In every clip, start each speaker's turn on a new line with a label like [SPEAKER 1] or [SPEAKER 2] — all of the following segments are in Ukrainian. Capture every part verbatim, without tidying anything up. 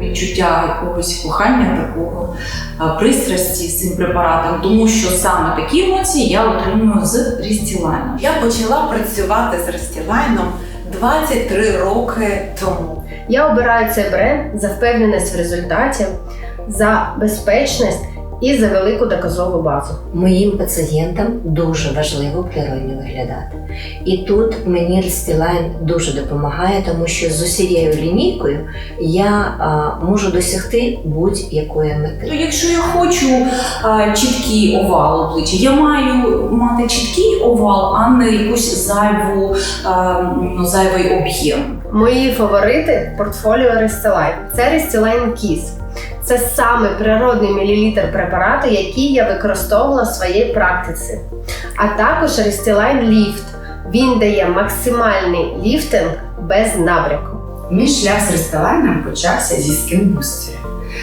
[SPEAKER 1] відчуття якогось кохання, такого пристрасті з цим препаратом, тому що саме такі емоції я отримую з Restylane.
[SPEAKER 2] Я почала працювати з Restylane двадцять три роки тому.
[SPEAKER 3] Я обираю цей бренд за впевненість в результаті, за безпечність і за велику доказову базу.
[SPEAKER 4] Моїм пацієнтам дуже важливо природньо виглядати. І тут мені Restylane дуже допомагає, тому що з усією лінійкою я а, можу досягти будь-якої мети.
[SPEAKER 1] То якщо я хочу а, чіткий овал обличчя, я маю мати чіткий овал, а не якусь зайву, а, ну, зайвий об'єм.
[SPEAKER 3] Мої фаворити в портфоліо Restylane – це Restylane Kiss. Це саме природний мілілітр препарату, який я використовувала в своїй практиці. А також Restylane Lift. Він дає максимальний ліфтинг без набряку.
[SPEAKER 5] Мій шлях з Restylane почався зі Skin Booster.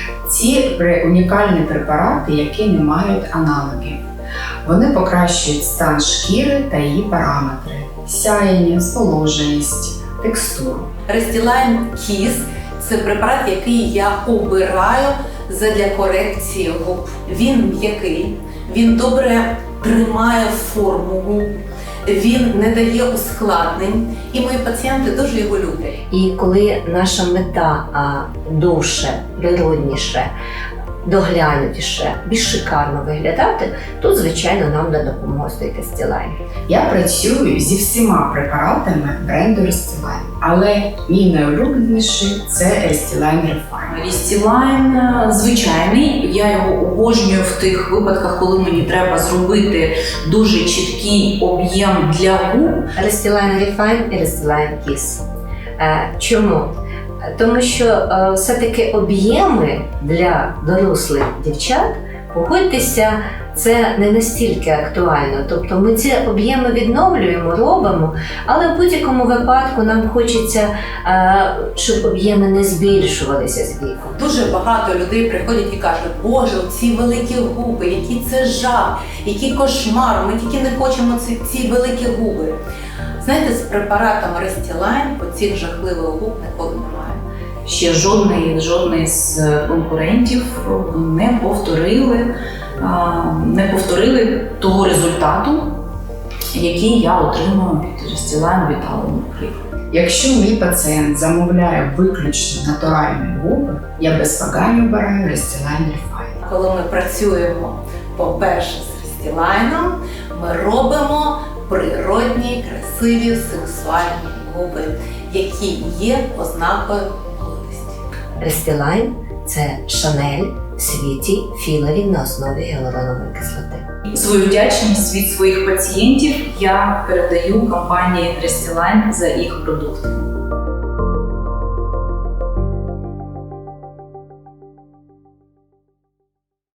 [SPEAKER 5] Ці унікальні препарати, які не мають аналогів. Вони покращують стан шкіри та її параметри – сяєння, зволоженість, текстуру.
[SPEAKER 2] Restylane Kiss – це препарат, який я обираю задля корекції губ. Він м'який, він добре тримає форму губ, він не дає ускладнень, і мої пацієнти дуже його люблять.
[SPEAKER 4] І коли наша мета а, довше, природніше, доглянутіше, більш шикарно виглядати, то, звичайно, нам на допомогу стоїть Restylane.
[SPEAKER 5] Я працюю зі всіма препаратами бренду Restylane, але мій найулюбленіший – це Restylane Refine.
[SPEAKER 1] Restylane звичайний, я його обожнюю в тих випадках, коли мені треба зробити дуже чіткий об'єм для губ.
[SPEAKER 4] Restylane Refine і Restylane Kiss. Е, чому? Тому що е, все-таки об'єми для дорослих дівчат, погодьтеся, це не настільки актуально. Тобто ми ці об'єми відновлюємо, робимо, але в будь-якому випадку нам хочеться, е, щоб об'єми не збільшувалися з віком.
[SPEAKER 2] Дуже багато людей приходять і кажуть: Боже, ці великі губи, який це жах, який кошмар, ми тільки не хочемо ці, ці великі губи. Знаєте, з препаратом Restylane оцих жахливих губ ніколи немає.
[SPEAKER 1] Ще жодний, жодний з конкурентів не повторили, не повторили того результату, який я отримую від Restylane Vitality, наприклад.
[SPEAKER 5] Якщо мій пацієнт замовляє виключно натуральні губи, я без вагань обираю Restylane Refine.
[SPEAKER 2] Коли ми працюємо, по-перше, з Restylane, ми робимо природні, красиві, сексуальні губи, які є ознакою молодості.
[SPEAKER 4] Restylane – це Шанель в світі філерів на основі гіалуронової кислоти.
[SPEAKER 1] Свою вдячність від своїх пацієнтів я передаю компанії Restylane за їх продукти.